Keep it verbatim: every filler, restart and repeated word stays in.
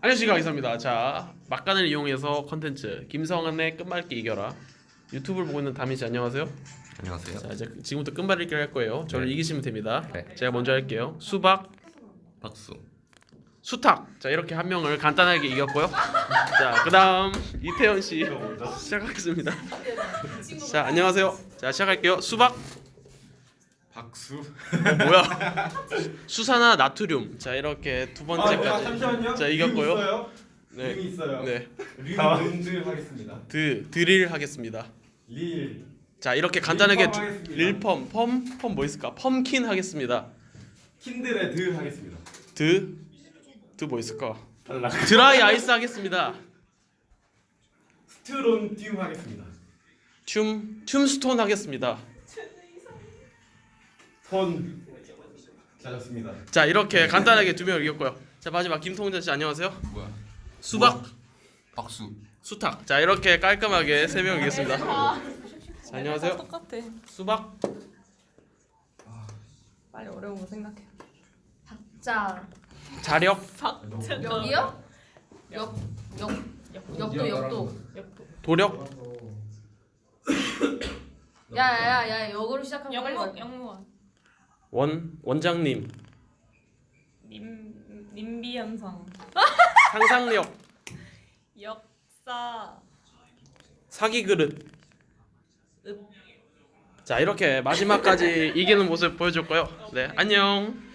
안녕하십니까, 기사입니다. 자, 막간을 이용해서 컨텐츠 김성한의 끝말잇기 이겨라. 유튜브를 보고 있는 다민 씨 안녕하세요. 안녕하세요. 자, 이제 지금부터 끝말잇기를 할 거예요. 저를 네. 이기시면 됩니다. 네. 제가 먼저 할게요. 수박, 박수. 수탉. 자, 이렇게 한 명을 간단하게 이겼고요. 자, 그다음 이태현 씨 시작하겠습니다. 자, 안녕하세요. 자, 시작할게요. 수박, 박수. 어, 뭐야? 수산화 나트륨. 자, 이렇게 두 번째까지. 아, 잠시만요. 자, 이겼고요. 링 있어요? 네. 링 있어요. 네. 링 하겠습니다. 드 드릴 하겠습니다. 릴. 자, 이렇게 간단하게 릴펌 두- 하겠습니다. 릴펌, 펌, 펌 뭐 있을까? 펌킨 하겠습니다. 킨들의 드 하겠습니다. 드, 드 뭐 있을까? 탈락. 드라이 아이스 하겠습니다. 스트론튬 하겠습니다. 춤, 춤스톤 하겠습니다. 톤. 잘했습니다. 자, 이렇게 간단하게 두 명을 이겼고요. 자, 마지막 김통자 씨 안녕하세요. 뭐야? 수박, 박수. 수탉. 자, 이렇게 깔끔하게 세 명 이겼습니다. 자, 안녕하세요. 똑같아. 수박, 빨리 어려운 거 생각해. 자 자력, 여기요? 역, 역, 역도 역도 도력, 야야야야 역으로 시작하면 빨리 영무 가. 영무원. 원, 원장님, 님 님비 현상. 상상력, 역사. 사기 그릇. 자, 이렇게 마지막까지 이기는 모습 보여줬고요. 네, 안녕.